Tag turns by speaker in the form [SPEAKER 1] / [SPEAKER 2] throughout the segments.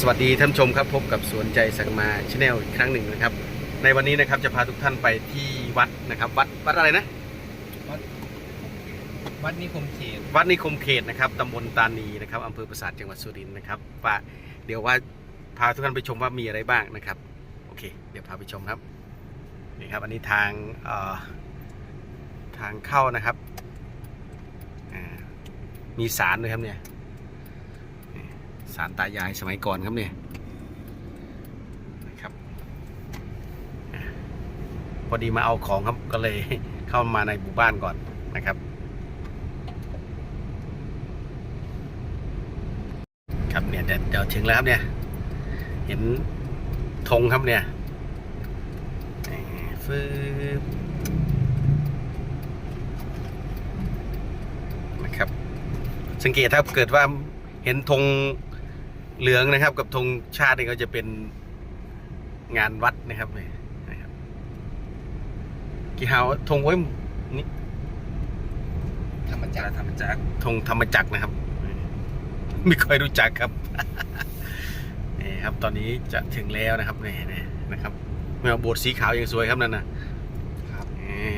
[SPEAKER 1] วัสดีท่านผู้ชมครับพบกับสวนใจสังมาชาแนลอีกครั้งหนึ่งนะครับในวันนี้นะครับจะพาทุกท่านไปที่วัดนะครับวัดอะไรนะ
[SPEAKER 2] วัดนิคมเขต
[SPEAKER 1] นะครับตำบลตานีนะครับอำเภอปราสาทจังหวัดสุรินทร์นะครับว่าเดี๋ยวว่าพาทุกท่านไปชมว่ามีอะไรบ้างนะครับโอเคเดี๋ยวพาไปชมครับนี่ครับอันนี้ทางเข้านะครับมีศาลด้วยครับเนี่ยศาลตายายสมัยก่อนครับเนี่ยนะครับพอดีมาเอาของครับก็เลยเข้ามาในหมู่บ้านก่อนนะครับครับเนี่ยเดี๋ยวถึงแล้วครับเนี่ยเห็นธงครับเนี่ยฟืบนะครับสังเกตถ้าเกิดว่าเห็นธงเหลืองนะครับกับธงชาตินี่ก็จะเป็นงานวัดนะครับนี่นะครับกี่หาวธงไว้นี่
[SPEAKER 2] ธรรมจักร
[SPEAKER 1] ธงธรรมจักรนะครับไม่ค่อยรู้จักครับนี่ครับตอนนี้จะถึงแล้วนะครับนี่นะครับเมื่อโบสถ์สีขาวยังสวยครับนั่นนะครับ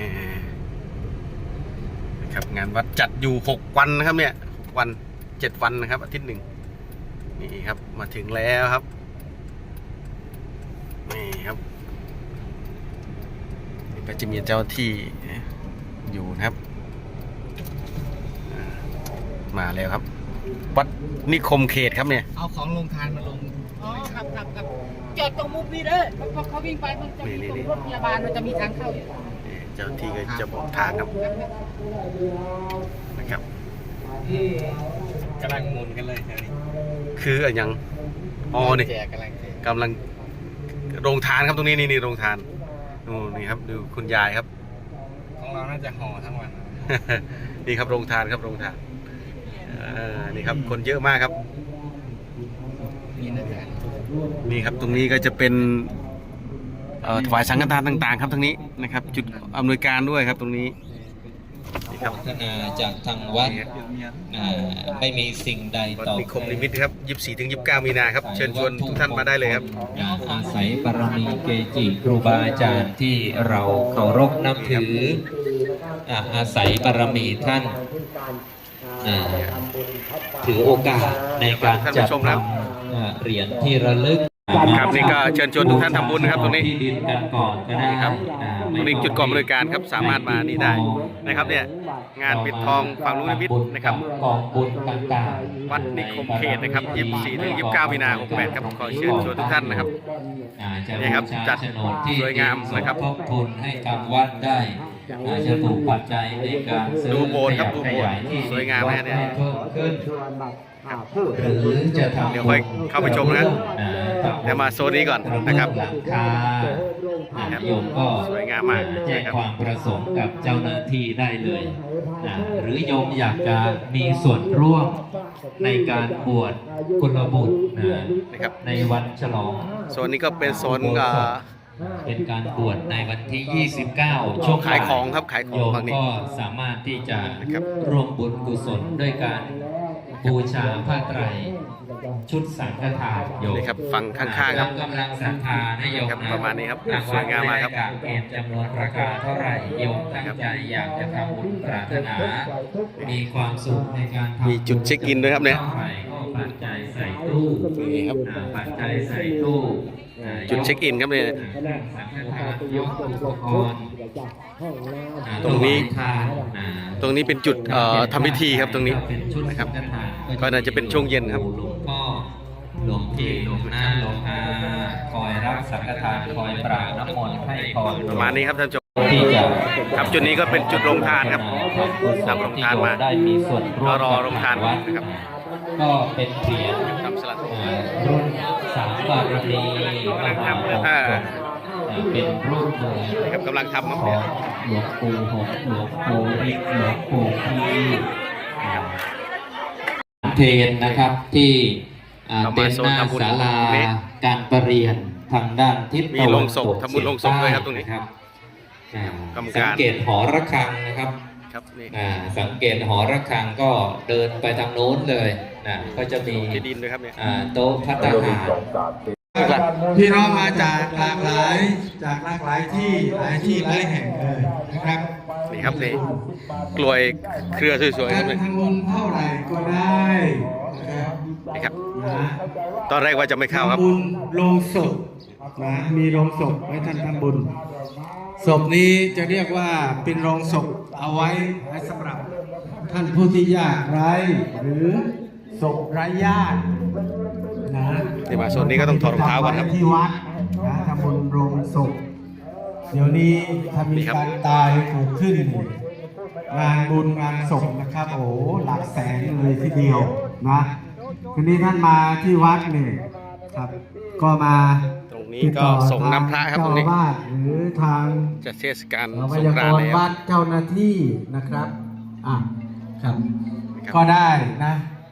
[SPEAKER 1] นะครับงานวัดจัดอยู่6 วันนะครับเนี่ย6 วัน7 วันนะครับอาทิตย์หนึ่งนี่ครับมาถึงแล้วครับนี่ครับนี่ก็จะมีเจ้าที่อยู่นะครับมาแล้วครับวัดนิคมเขตครับเนี่ย
[SPEAKER 2] เอาของลงทานมาลง
[SPEAKER 3] อ๋อครับจอดตรงมุมนี้เด้อพอเขาวิ่งไปมันจะมีตรงรถพยาบาลมันจะมีทางเข้าอยู่
[SPEAKER 1] เจ้าที่ก็จะบอกทางครับนะครับ
[SPEAKER 2] กำลังหมุนกันเลย
[SPEAKER 1] คืออย่างอ๋อนี่กำลังโรงทานครับตรงนี้นี่โรงทานนี่ครับดูคุณยายครับ
[SPEAKER 2] ของเราน่าจะห่อทั้งวัน
[SPEAKER 1] นี่ครับโรงทานครับโรงทานนี่ครับคนเยอะมากครับนี่ครับตรงนี้ก็จะเป็นถวายสังฆทานต่างๆครับทั้งนี้นะครับจุดอำนวยการด้วยครับตรงนี้
[SPEAKER 4] นี่ครับพัฒนาจากทางวัดไม่มีสิ่งใดต่อ
[SPEAKER 1] นิคมนิมิตครับ24 ถึง 29 มีนาครับเชิญชวนทุกท่านมาได้เลยครับ
[SPEAKER 4] อาศัยบารมีเกจิครูบาอาจารย์ที่เราเคารพนับถืออาศัยบารมีท่านถือโอกาสในการจัดทำเหรียญที่ระลึก
[SPEAKER 1] ครับนี่ก็เชิญชวนทุกท่านทำบุญนะครับตรงนี้
[SPEAKER 4] ที่ดินกันก่อนก็ได้
[SPEAKER 1] ครับตรงนี้จุดกองบริการครับสามารถมานี่ได้นะครับเนี่ยงานปิดทองฝั่งลูกนิมิตนะครับ
[SPEAKER 4] กองบุญต่าง
[SPEAKER 1] ๆวัดนิคมเขตนะครับ24 ถึง 29 มีนาคม 68ครับขอเชิญชวนทุกท่านนะครับนี่ครับจัดสวยงามนะครับ
[SPEAKER 4] ทบทุนให้กับวัดได้จะถูกปัจจัยในการซื้อ
[SPEAKER 1] ดูโบสถ์ครับดูโบสถ์สวยงามนะเนี่ย
[SPEAKER 4] เพิ่มขึ้นหรือจะทำ
[SPEAKER 1] เดี๋ยวค่อยเข้าไปชมนะเดี๋ยวมาโซนนี้ก่อนนะครับ
[SPEAKER 4] หลังคาโยมก็
[SPEAKER 1] สวยงามมาก
[SPEAKER 4] แจ้งความประสงค์กับเจ้าหน้าที่ได้เลยหรือโยมอยากจะมีส่วนร่วมในการบวชกุลบุตร
[SPEAKER 1] นะครับ
[SPEAKER 4] ในวันฉลอง
[SPEAKER 1] โซนนี้ก็เป็นโซน
[SPEAKER 4] เป็นการบวชในวันที่ 29 ช่วง
[SPEAKER 1] ขายของครับขายของ
[SPEAKER 4] ฝั่งนี้ก็สามารถที่จะร่วมบุญกุศลด้วยการบูชาผ้าไตรชุดสังฆทานโยม
[SPEAKER 1] นี่ครับฝั่งข้างๆครับ
[SPEAKER 4] กำลังศรัทธาให้โยม
[SPEAKER 1] ประมาณนี้ครับสวยงามมากครับ
[SPEAKER 4] เกณฑ์จำนวนราคาเท่าไหร่โยมตั้งใจอยากจะทำบุญปรารถนามีความสุขในการ
[SPEAKER 1] มีจุดเช็คอินด้วยครับเนี่ย
[SPEAKER 4] ปัจจัยใส่ตู้
[SPEAKER 1] นี่ครับ
[SPEAKER 4] ปัจจัยใส่ตู้
[SPEAKER 1] จุดเช็คอินครับเนี่ยตรงนี้เป็นจุดทำพิธีครับตรงนี้นะครับก็น่าจะเป็นช่วงเย็นครับ
[SPEAKER 4] หลวงพ่อหลวงพี่หลวงน้าหลวงอาคอยรับสังฆทานคอยปราบน้ำมนต์ให้พร
[SPEAKER 1] ประมาณนี้ครับท่านผู้ชมครับจุดนี้ก็เป็นจุดโรงทานครับนำโรงทานมา
[SPEAKER 4] ได้มีส่วนร่วม
[SPEAKER 1] รอโรงทานนะครับ
[SPEAKER 4] ก็เป็นเหรียญรุ่นสามบารมีมหาเป็นรูปเลย
[SPEAKER 1] นะครับกำลังทำครับ
[SPEAKER 4] หลวงปู่หงหลวงปู่ฤทธิ์หลวงปู่พีเทนนะครับที่เป็นหน้าศาลาการประเรียนทางด้านทิศตะวันตก
[SPEAKER 1] ทำบุญลงศพด้วยครับตรงนี้
[SPEAKER 4] ครับสังเกตหอระฆังนะครับสังเกตหอระฆังก็เดินไปทางโน้นเลยนะก็จะมี
[SPEAKER 1] ที่ดินด้วยครับเนี่ย
[SPEAKER 4] โต๊ะพัตตาหาร
[SPEAKER 5] พี่น้องมาจากหลากหลายที่หลายที่หลายแห่งเลยนะครับ
[SPEAKER 1] นี่ครับนี่กลวยเครือสวยๆค
[SPEAKER 5] กา
[SPEAKER 1] รับ
[SPEAKER 5] ร
[SPEAKER 1] เนี่ย
[SPEAKER 5] ทำบุญเท่าไหร่ก็ได้นะครับ
[SPEAKER 1] นี่ครับ
[SPEAKER 5] นะ
[SPEAKER 1] ตอนแรกว่าจะไม่เข้าครับ
[SPEAKER 5] ทำบุญโรงศพนะมีโรงศพให้ท่านทำบุญศพนี้จะเรียกว่าเป็นโรงศพเอาไว้สำหรับท่านผู้ที่ยากไร้หรือศพไร้ญาตินะ
[SPEAKER 1] นี่มาโซนนี้ก็ต้องถอดรองเท้าก่อนครับ
[SPEAKER 5] ที่วัดนะทำบุญโรงศพเดี๋ยวนี้ถ้ามี
[SPEAKER 1] นี่ครับ
[SPEAKER 5] การตายเกิดขึ้น งานบุญงานศพนะครับ โอ้โหหลักแสนเลยทีเดียวนะทีนี้ท่านมาที่วัดเนี่ยครับ ก็มา
[SPEAKER 1] ตรงนี้ก็ส่งน้ำพระครับตรงนี้
[SPEAKER 5] เจ้าอาวาสหรือทาง
[SPEAKER 1] จะเทศกาล
[SPEAKER 5] พ
[SPEAKER 1] สง
[SPEAKER 5] ยาก
[SPEAKER 1] รานต์
[SPEAKER 5] ร
[SPEAKER 1] แล้ว
[SPEAKER 5] วัดเจ้าหน้าที่นะครับครับ
[SPEAKER 1] ครับ
[SPEAKER 5] ก็ได้นะ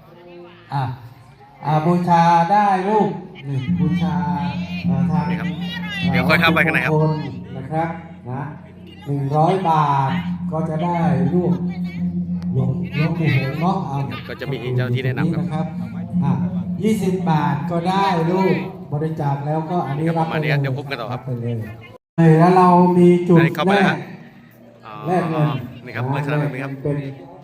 [SPEAKER 5] บูชาได้ลูกนี่บูชาทาง
[SPEAKER 1] นี่ครับ เดี๋ยวค่อยเข้าไปข้างในครับ
[SPEAKER 5] มงคลนะครับนะ100 บาทก็จะได้ลูกหลวงปู่หงส์เนาะเอา
[SPEAKER 1] ก็จะมีเจ้าที่แนะนำครับ
[SPEAKER 5] นะครับ20 บาทก็ได้ลูกบริจาคแล้วก็อันนี้
[SPEAKER 1] ครับ
[SPEAKER 5] รับ
[SPEAKER 1] ประมาณนี้เดี๋ยวพบกันต่อครับ
[SPEAKER 5] ไปเลยแล้วเรามีจุด
[SPEAKER 1] อันนี้เข้าไป
[SPEAKER 5] แร
[SPEAKER 1] แล้ว
[SPEAKER 5] ก
[SPEAKER 1] อ๋อ
[SPEAKER 5] แลกเงิน
[SPEAKER 1] นี่ครับลักษณะแบบนี้ครับ
[SPEAKER 5] เป็น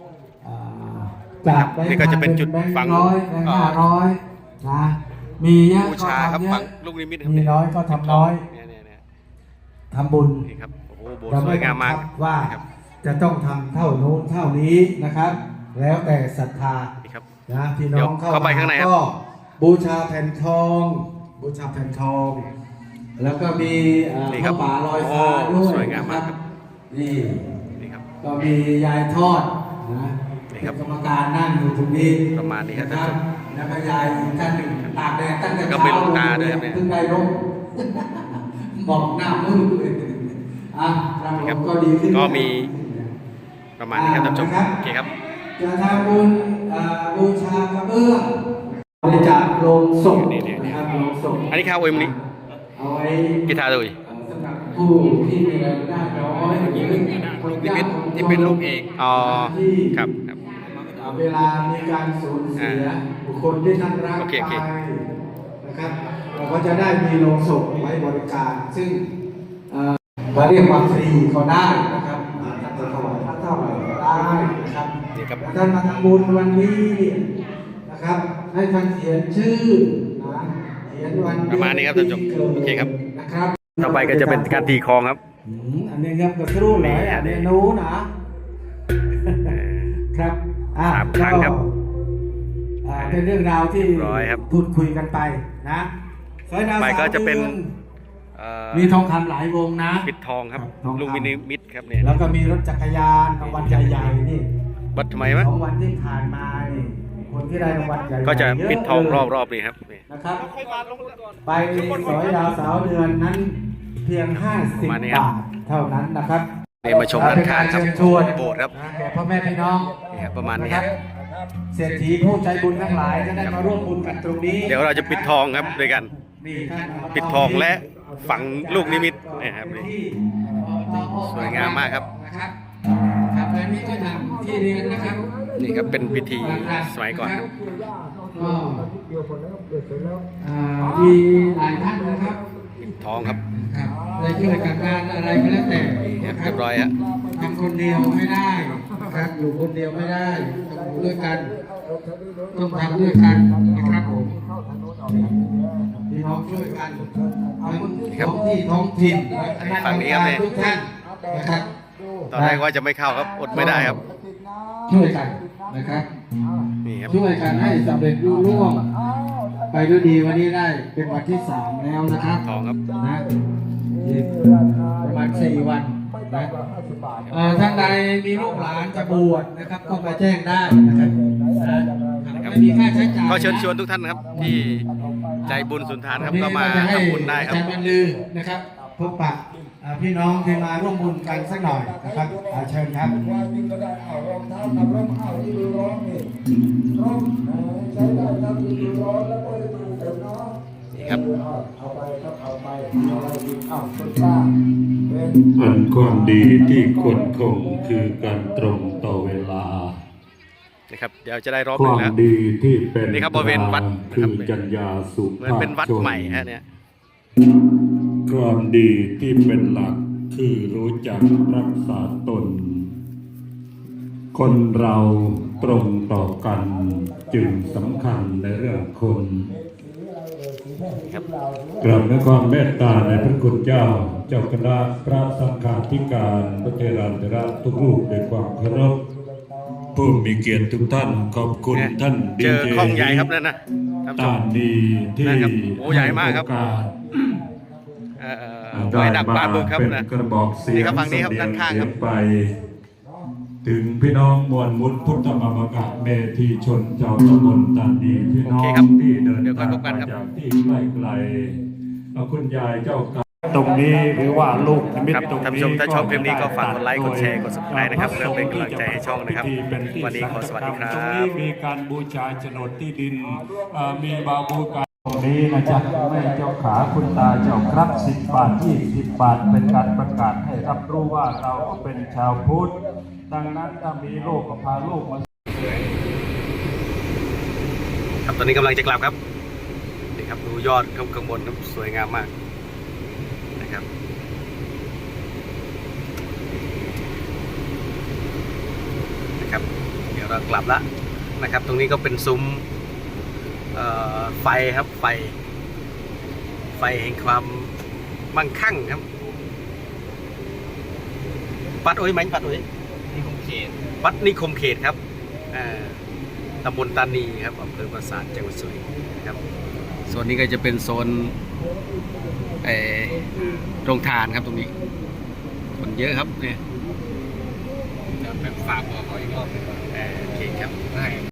[SPEAKER 5] จากแบงค์
[SPEAKER 1] นี่ก็จะเป็นจุด
[SPEAKER 5] แบงค์
[SPEAKER 1] ฝัง
[SPEAKER 5] ร้อยแบงค์500นะมีเยอะ
[SPEAKER 1] บู
[SPEAKER 5] ก็
[SPEAKER 1] ชาครับ
[SPEAKER 5] ทำเย
[SPEAKER 1] ฝั
[SPEAKER 5] อะ
[SPEAKER 1] งลูกนิมิตครับ
[SPEAKER 5] มีน้อยก็ทำน้อย
[SPEAKER 1] เนี่ย
[SPEAKER 5] ทำบุญ
[SPEAKER 1] นี่ครับโอ้โหโบสถ์สวยงามมาก
[SPEAKER 5] เรไบัคับว่า
[SPEAKER 1] ครับ
[SPEAKER 5] จะต้องทำเท่านู้นเท่านี้นะครับ แล้วแต่ศรัทธา
[SPEAKER 1] นี่ครับ
[SPEAKER 5] นะพี่น้
[SPEAKER 1] เดี๋
[SPEAKER 5] อ
[SPEAKER 1] ยว
[SPEAKER 5] ง
[SPEAKER 1] เข้าไปข้างในครับ
[SPEAKER 5] ก็บูชาแผ่นทอง บูชาแผ่นทอง แล้วก็มี
[SPEAKER 1] นี่ครั
[SPEAKER 5] ผ้า
[SPEAKER 1] บ
[SPEAKER 5] ป่าลอยฟ้า
[SPEAKER 1] โอ้
[SPEAKER 5] ด้วย
[SPEAKER 1] สวยงามมากครับ
[SPEAKER 5] นี่
[SPEAKER 1] นี่ครับ
[SPEAKER 5] ก็มียายทอดนะ
[SPEAKER 1] นี่ครับ
[SPEAKER 5] เป็นกรรมการนั่งอยู่ตรงนี้
[SPEAKER 1] ประมาณนี้ครับ
[SPEAKER 5] นะแล้วก็ยายอีกท่านหนึ่งตากแดดตั้งแต่
[SPEAKER 1] ก็
[SPEAKER 5] เช้า
[SPEAKER 1] มีหลวงตาด้วยครับเนี่ย
[SPEAKER 5] เพิ่งได้ร่ม บอกหน้ามืดเลยครับ
[SPEAKER 1] นี่ครับ
[SPEAKER 5] ผมก็ดีขึ้น
[SPEAKER 1] ก็มีประมาณนี้ครับท่านผู้ชมโอเคครับ
[SPEAKER 5] จะทำบุญบูชากระเบื้องบริจาคโลงศพ
[SPEAKER 1] นี่
[SPEAKER 5] นะครับโลงศพ
[SPEAKER 1] อันนี้ข้าวโอยมนี้
[SPEAKER 5] เอาไว้
[SPEAKER 1] กีตาร์ด้วย
[SPEAKER 5] สำหรับผู้ที่มีรายได้น้อยหรือ
[SPEAKER 2] นิมิตที่เป็นรูปเอก
[SPEAKER 1] อ๋อ
[SPEAKER 5] ที่
[SPEAKER 1] ครับ
[SPEAKER 5] เวลามีการสูญเสียบุคคลที่ท่านรัก
[SPEAKER 1] โอเค
[SPEAKER 5] ไปนะครับเราก็จะได้มีโลงศพไว้บริการ ซึ่งมาเรียกว่าฟรีก็ได้นะครับท่านจะถวายท่านเท่าไหร่ก็ได้นะครับ
[SPEAKER 1] นี่ครับ
[SPEAKER 5] ท่านมาทำบุญวันนี้นะครับ ให้ท่านเขียนชื่อนะเขียนวัน
[SPEAKER 1] ประมาณนี้ครับท่านผู้ชมโอเคครับ
[SPEAKER 5] นะครับ
[SPEAKER 1] ต่อไปก็จะเป็นการตีคลองครับ
[SPEAKER 5] อันนี้ครับกระทู้เลยอันนี้นู้นะครับ
[SPEAKER 1] สามครั้งครับ
[SPEAKER 5] เป็นเรื่องราวที่
[SPEAKER 1] เรียบร้อยครับ
[SPEAKER 5] พูดคุยกันไปนะสายดาว
[SPEAKER 1] ไปก็จะเป็น
[SPEAKER 5] สามดือ
[SPEAKER 1] เอ่อ
[SPEAKER 5] มีทองคำหลายวงนะ
[SPEAKER 1] ปิดทองครับ
[SPEAKER 5] ทองคำ
[SPEAKER 1] ลูกมินิมิตครับเนี่ย
[SPEAKER 5] แล้วก็มีรถจักรยานรางวัลใหญ่ๆนี่
[SPEAKER 1] วัดทำไมวะ
[SPEAKER 5] ของวันที่ผ่านมานี่คนที่ได้รางวัลใหญ่ๆ
[SPEAKER 1] ก็จะ
[SPEAKER 5] เย
[SPEAKER 1] ปิดทอง
[SPEAKER 5] เลย
[SPEAKER 1] รอบๆนี่ครับนี่
[SPEAKER 5] นะครับ ไปสอยดาวสาวเดือนนั้นเพียง 50
[SPEAKER 1] ประมาณนี้ครับ
[SPEAKER 5] บาทเท่านั้นนะครับ
[SPEAKER 1] นี่มาชมด้านข้างครับ
[SPEAKER 5] เป็นกเชิญชวน
[SPEAKER 1] โบสถ์ครับ
[SPEAKER 5] แก่พ่อแม่พี่น้อง
[SPEAKER 1] นี่ครับประมาณนี้
[SPEAKER 5] นะ
[SPEAKER 1] ค
[SPEAKER 5] ค
[SPEAKER 1] รั
[SPEAKER 5] รับ บเศรษฐีผู้ใจบุญทั้งหลายจะได้มาร่วมบุญกันตรงนี้
[SPEAKER 1] เดี๋ยวเราจะปิดทองครับด้วยกัน
[SPEAKER 5] นี่ท่าน
[SPEAKER 1] ปิดทองและฝังลูกนิมิตนะครับนี่ สวยงามมากครับ
[SPEAKER 5] นะครับครับและนี่ก็ทำที่เรียนนะครับ
[SPEAKER 1] นี่ครับเป็นพิธีสมัยก่อนครับ
[SPEAKER 5] ก็มีหลายท่านนะครับ
[SPEAKER 1] ปิดทองครับ
[SPEAKER 5] ครับในช่วยกันงานอะไรก็แล้วแต่
[SPEAKER 1] นี่ครับ
[SPEAKER 5] นะค
[SPEAKER 1] เรียบร้อยฮะ
[SPEAKER 5] ทำคนเดียวไม่ได้นะครับอยู่คนเดียวไม่ได้ต้องอยู่ด้วยกันต้องทำด้วยกันนะครับผมพี่น้องช่วยกันทั้งท้องที่ท้องถิ่นและคณะกรรมการทุกท่านนะครับ
[SPEAKER 1] ตอนแรกว่าจะไม่เข้าครับอดไม่ได้ครับ
[SPEAKER 5] ช่วยกันนะครับ
[SPEAKER 1] นี่ครับ
[SPEAKER 5] ช่วยกันให้สำเร็จรุ่ร่วงไปด้วยดีวันนี้ได้เป็นวันที่ 3 แล้วนะครับ
[SPEAKER 1] ทองครับ
[SPEAKER 5] นะอีกประมาณ4 วันนะท่านใดมีลูกหลานจะบวชนะครับก็มาแจ้งได้นะครับไม่มีค่าใช้จ่าย
[SPEAKER 1] ก็เชิญชวนทุกท่านนะครับ ที่ใจบุญสุนทานครับก็มาทำบุญได้ครับ
[SPEAKER 5] อาจารย์บรรลือนะครับพบปะพี่น้องที่มาร่วมบุญกันสักหน่อยนะครับเชิญครับ
[SPEAKER 1] นี่ครับ
[SPEAKER 6] อันความดีที่ควรคงคือการตรงต่อเวลา
[SPEAKER 1] นะครับเดี๋ยวจะได้รอบ
[SPEAKER 6] ค
[SPEAKER 1] หนึ่
[SPEAKER 6] วาง ม
[SPEAKER 1] แล้ว
[SPEAKER 6] ดีที่เป็น
[SPEAKER 1] นี่ครับบริเวณวัดนะ
[SPEAKER 6] คื
[SPEAKER 1] ครับ
[SPEAKER 6] อจัญญาสุ
[SPEAKER 1] เหมือนเป็นวัด
[SPEAKER 6] ภาพชน
[SPEAKER 1] ใหม่ฮะเนี่ย
[SPEAKER 6] ความดีที่เป็นหลักคือรู้จักรักษาตน คนเราตรงต่อกันจึงสำคัญในเรื่องคน
[SPEAKER 1] ครับ
[SPEAKER 6] กราบด้วยความเมตตาในพระคุณเจ้า เจ้าคณะพระสังฆาธิการพระเทราธิราชทุกรูปด้วยความเคารพผู้มีเกียรติทุกท่านขอบคุณ
[SPEAKER 1] เนี่ย
[SPEAKER 6] ท่าน
[SPEAKER 1] เจอห้องใหญ่ครับนั่นนะท่านผู้ช
[SPEAKER 6] ตาม ดีที่
[SPEAKER 1] นั่นครับโอ้ใหญ่มากครับ
[SPEAKER 6] โอกาส
[SPEAKER 1] ไว้ดักปลาบึกครับ
[SPEAKER 6] เป็น
[SPEAKER 1] นะ
[SPEAKER 6] กระบอกเสียง
[SPEAKER 1] นี่ครับฝั่งนี้ครับ
[SPEAKER 6] เสย
[SPEAKER 1] ด้านข้างครับ
[SPEAKER 6] เสียไป ถึงพี่น้องมวลมุตพุทธมามกะเมธีชนเจ้าตำบลตันดีพี่น้องที่เดิน
[SPEAKER 1] เดี๋ยวค่อย
[SPEAKER 6] ทาง
[SPEAKER 1] พบกัน
[SPEAKER 6] มา
[SPEAKER 1] ครับ
[SPEAKER 6] จากที่ไกลๆเอาคุณยายเจ้าค่ะตรงนี้หรือว่าลูกนิมิต
[SPEAKER 1] ครับ
[SPEAKER 6] ตรงนี้
[SPEAKER 1] ท่านผู้ชมถ้าชอบคลิปนี้ก็ฝากกดไลค์กดแชร์กด
[SPEAKER 6] โ
[SPEAKER 1] subscribe นะครับเพื่อเป็นกำลังใจให้ช่องนะครับ วันนี้ขอสวัสดีครั
[SPEAKER 6] ตรงนี้
[SPEAKER 1] บ
[SPEAKER 6] มีการบูชาโฉนดที่ดินมีบาบูการตรงนี้นะจ๊ะแม่เจ้าขาคุณตาเจ้าครับ10 บาท20 บาทเป็นการประกาศให้รับรู้ว่าเราก็เป็นชาวพุทธดังนั้นถ้ามีลูกก็พาลูกมา
[SPEAKER 1] ครับตอนนี้กำลังจะกลับครับนี่ครับดูยอดข้างบนครับสวยงามมากนะครับนะครับเดี๋ยวเรากลับละนะครับ ตรงนี้ก็เป็นซุ้มไฟครับไฟแห่งความมั่งคั่งครับวัดโอ้ยไหมวัดโอ้ย
[SPEAKER 2] นิคมเขต
[SPEAKER 1] วัดนิคมเขตครับตำบลตานีครับอำเภอปราสาทจังหวัดสุรินทร์นะครับโซนนี้ก็จะเป็นโซนโรงทานครับตรงนี้คนเยอะครับเนี่ย
[SPEAKER 2] จะแบบฝากบอกเขาอีกรอบหนึงว่า
[SPEAKER 1] โอเคครับ